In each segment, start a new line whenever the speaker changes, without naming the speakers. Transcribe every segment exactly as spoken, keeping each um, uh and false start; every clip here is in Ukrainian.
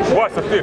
Вася, ти,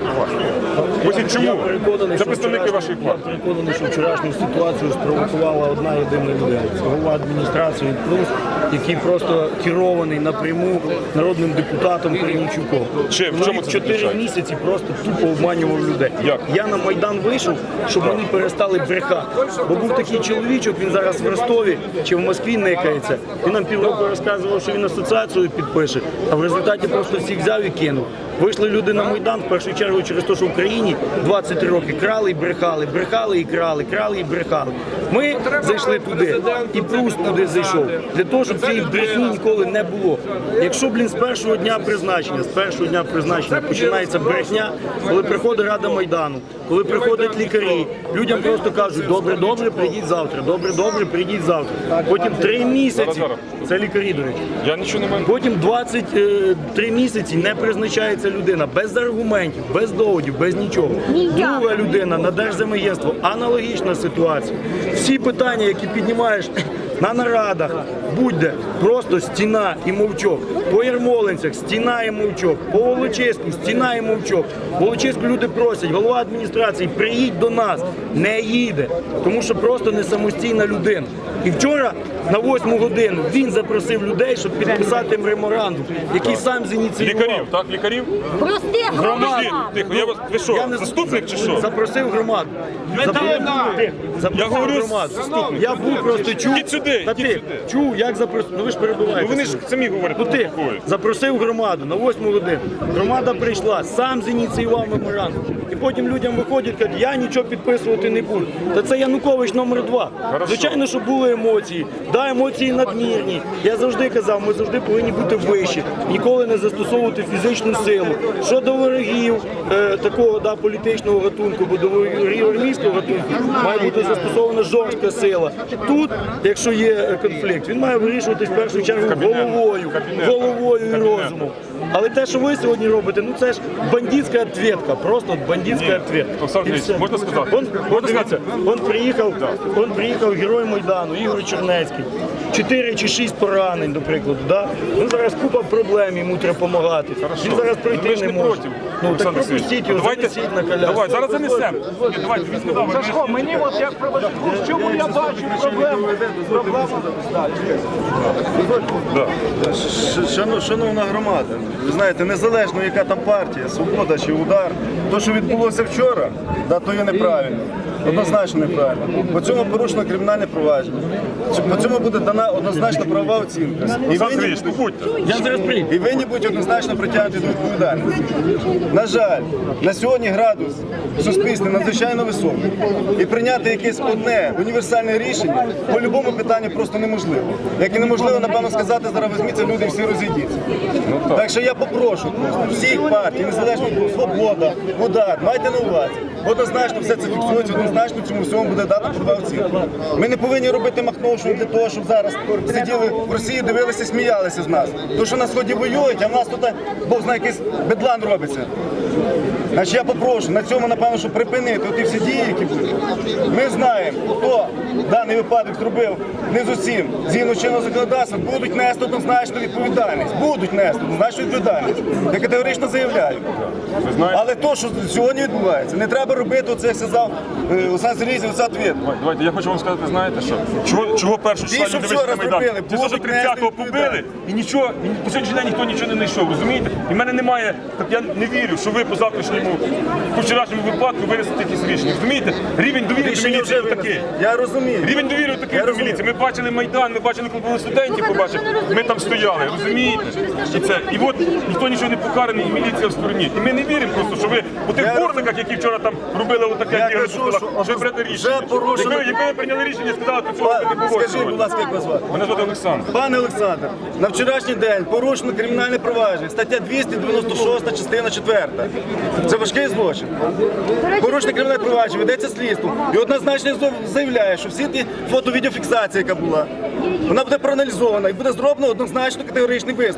Вася. Ось чому? Це представники вашої партії.
Я переконаний, що вчорашню ситуацію спровокувала одна єдина людина. Це голова адміністрації Плюс, який просто керований напряму народним депутатом Корнійчуком.
Чим? В чому це
чотири
заключається?
місяці просто тупо обманював людей.
Як?
Я на Майдан вийшов, щоб вони перестали брехати. Бо був такий чоловічок, він зараз в Ростові чи в Москві никається. Він нам півроку розказував, що він асоціацію підпише, а в результаті просто всіх взяв і кинув. Вийшли люди на Майдан, в першу чергу через те, що в Україні двадцять три роки крали і брехали, брехали і крали, крали і брехали. Ми зайшли туди, і Плюс туди зайшов, для того, щоб цієї брехні ніколи не було. Якщо, блін, з першого дня призначення, з першого дня призначення починається брехня, коли приходить Рада Майдану, коли приходять лікарі, людям просто кажуть, добре, добре, прийдіть завтра, добре, добре, прийдіть завтра. Потім три місяці, це лікарі, до речі.
Я нічого не маю.
Потім двадцять три місяці не призначається людина без аргументів, без доводів, без нічого. Друга людина на Держземагентство, аналогічна ситуація. Всі питання, які піднімаєш на нарадах, будь-де, просто стіна і мовчок. По Ярмолинцях стіна і мовчок. По Волочиську стіна і мовчок. В Волочиську люди просять, голова адміністрації, приїдь до нас. Не їде, тому що просто не самостійна людина. І вчора на восьму годину він запросив людей, щоб підписати меморандум, який сам зініціював.
Лікарів, так? Лікарів?
Простих
Подожди, тихо, я вас, ви що,
Я не
заступник чи що?
Запросив громаду. Запросив, запросив
Я говорю,
громаду.
заступник.
Я був просто чув.
Ідіть сюди,
Та
ідіть
ти
сюди.
чув, як запросив. Ну ви ж перебуваєте.
Ну вони ж самі говорять,
Ну ти
такое.
запросив громаду на восьму годину. Громада прийшла, сам зініціював меморандум. І потім людям виходять, кажуть, я нічого підписувати не буду. Та це Янукович номер два.
Хорошо.
Звичайно, що були емоції. Да, емоції надмірні. Я завжди казав, ми завжди повинні бути вищі. Ніколи не застосовувати фізичну силу. Щодо ворогів е, такого да, політичного гатунку, бо до ворогів армійського гатунку має бути застосована жорстка сила. Тут, якщо є конфлікт, він має вирішуватись в першу чергу головою, головою і розумом. Але те, що ви сьогодні робите, ну це ж бандитська відповідка, просто от бандитська відповідка.
Олександр
І все.
можна сказати?
Он, он, дивіться, он приїхав, он приїхав герой Майдану, Ігор Чернецький. Чотири чи шість поранень, до прикладу. Да? Ну, зараз купа проблем, йому треба допомагати. Він зараз пройти
Ви ж
не
не
може.
проти,
Ну, так
Олександр
пропустіть його,
Давайте,
занесіть на коляску.
давай, зараз занесемо. Ні, давайте, він сказав,
Сашко, мені от як проведу, в чому я бачу проблему? Проблема.
Шано- Шановна громада, ви знаєте, незалежно яка там партія, Свобода чи Удар, то, що відбулося вчора, да, то є неправильно. Однозначно неправильно. По цьому порушено кримінальне провадження. По цьому буде дана однозначно правова оцінка. І
Олександр
винні,
Сергійович, ну будьте.
Я зараз прийду.
і винні будуть однозначно притягнути до відповідальності. На жаль, на сьогодні градус в суспільстві надзвичайно високий. І прийняти якесь одне універсальне рішення по будь-якому питанню просто неможливо. Як і неможливо, напевно, сказати, зараз візьміться, люди всі розійдіться. Так що я попрошу просто всіх партій, незалежно від Свобода, Удар, майте на увазі. Однозначно все це фіксується, однозначно цьому всьому буде дата правова оцінка. Ми не повинні робити махновшу для того, щоб зараз сиділи в Росії, дивилися, сміялися з нас. То, що на Сході воюють, а в нас тут, Бог знає, якийсь бедлан робиться. Значить, я попрошу на цьому, напевно, щоб припинити оті всі дії, які будуть. Ми знаємо, хто даний випадок зробив не з усім, згідно чинного законодавства, будуть нести однозначну відповідальність. Будуть нести однозначну відповідальність. Я категорично заявляю. Але то, що сьогодні відбувається, не треба робити оце, як сказав е, Олександр Сергійович, оце відповідь.
Давайте, давайте, я хочу вам сказати, знаєте що? Чого, чого першу
Ті,
числа
що
люди
вчора
вийшли на Майдан?
зробили,
Ті, що
будуть
тридцятого
нести
побили,
відповідальність.
і нічого, і по сьогоднішній день ніхто нічого не знайшов, розумієте? І в мене немає, так я не вірю, що ви по завтрашньому, по вчорашньому випадку винесете якісь рішення, розумієте? Рівень довіри до
Рішення
міліції
вже
такий.
винесли. Я розумію.
Рівень довіри такий
Я
до
розумію.
міліції. Ми бачили Майдан, ми бачили, коли були студентів, побачили, ми там стояли, розумієте? І це, і от ніхто нічого не покараний, і міліція в стороні. І ми не віримо просто, що ви у тих
Я
борниках, які вчора там робили отаке
Я
діло,
кажу, що
що ви берете рішення.
вже порушено-
Якби, якби ви прийняли рішення, сказали, то цього б не було.
Скажіть,
сьогодні.
будь ласка, як вас звати?
Мене звати Олександр.
Пане Олександр, на вчорашній день порушено кримінальне провадження, стаття двісті дев'яносто шість, частина четверта. Це важкий злочин. Порушено кримінальне провадження, ведеться слідство. І однозначно заявляє, що всі ті фото-відеофіксації, яка була, вона буде проаналізована і буде зроблено однозначно категоричний висновок.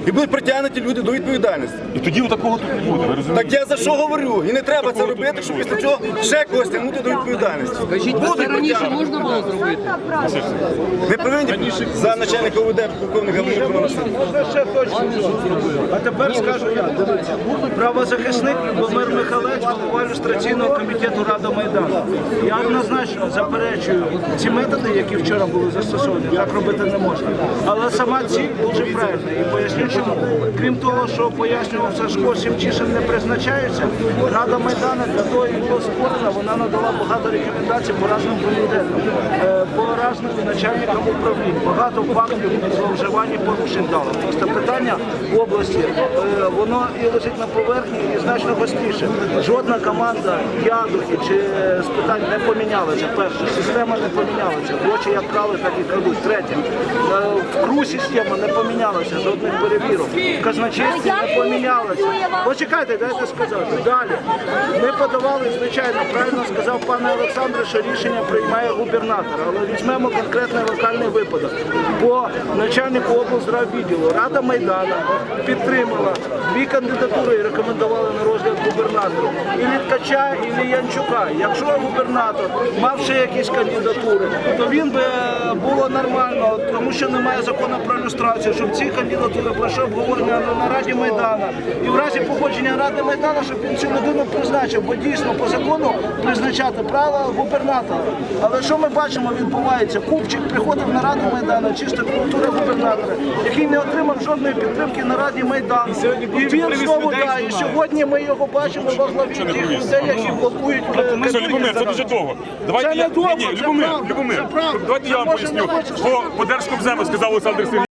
І будуть притягнуті люди до відповідальності.
І тоді такого тут не буде, ви розумієте?
Так я за що говорю? І не треба це
Такого тут
робити,
не
щоб
буде.
після цього ще когось тягнути до відповідальності.
Скажіть, а це
Будуть
раніше
притягнути.
можна було зробити?
Не повинні за начальника ОВД полковника Галину Васильовича.
Можна ще точно. А тепер скажу я. Дивіться. Правозахисник Любомир Михайлович, голова ілюстраційного комітету Рада Майдану. Я однозначно заперечую ці методи, які вчора були застосовані. Так робити не можна. Але сама ціль дуже правильна. І поясню чому. Крім того, що пояснював Сашко, Сімчишин не призначається, Рада Майдану для того і була створена, вона надала багато рекомендацій по різним комітетам, е, по різним начальникам управлінь. Багато фактів зловживань і порушень дали. Просто питання в області, е, воно і лежить на поверхні, і значно гостріше. Жодна команда ядухи чи з питань не помінялася. Перше, система не помінялася. Гроші як крали, так і крадуть. Третє, е, в КРУ система не помінялася, жодних перевірок. В казначействі не помінялася. Почекайте, дайте сказати. Далі. Ми подавали, звичайно, правильно сказав пан Олександр, що рішення приймає губернатор. Але візьмемо конкретний локальний випадок. По начальнику облздраввідділу Рада Майдану підтримала дві кандидатури і рекомендувала на розгляд губернатору. І Ткача, і Янчука. Якщо губернатор мав ще якісь кандидатури, то він би було нормально, тому що немає закону про ілюстрацію, щоб ці кандидатури пройшли обговорення на Раді Майдану. І в разі погодження Ради Майдану, щоб він цю людину призначив, бо дійсно по закону призначати право губернатора. Але що ми бачимо, відбувається? Купчик приходив на Раду Майдану, чисто культура губернатора, який не отримав жодної підтримки на Раді Майдану. І він знову, да, і сьогодні ми його бачимо во главі тих людей, які блокують е,
Все, Любомир, це дуже довго. Давайте
Це
я...
не довго,
Ні, ні,
це
Любомир,
правда,
Любомир,
це правда.
давайте я
Це
вам
може
поясню.
не хочеш
По, по Держкомзему сказав Олександр Сергійович.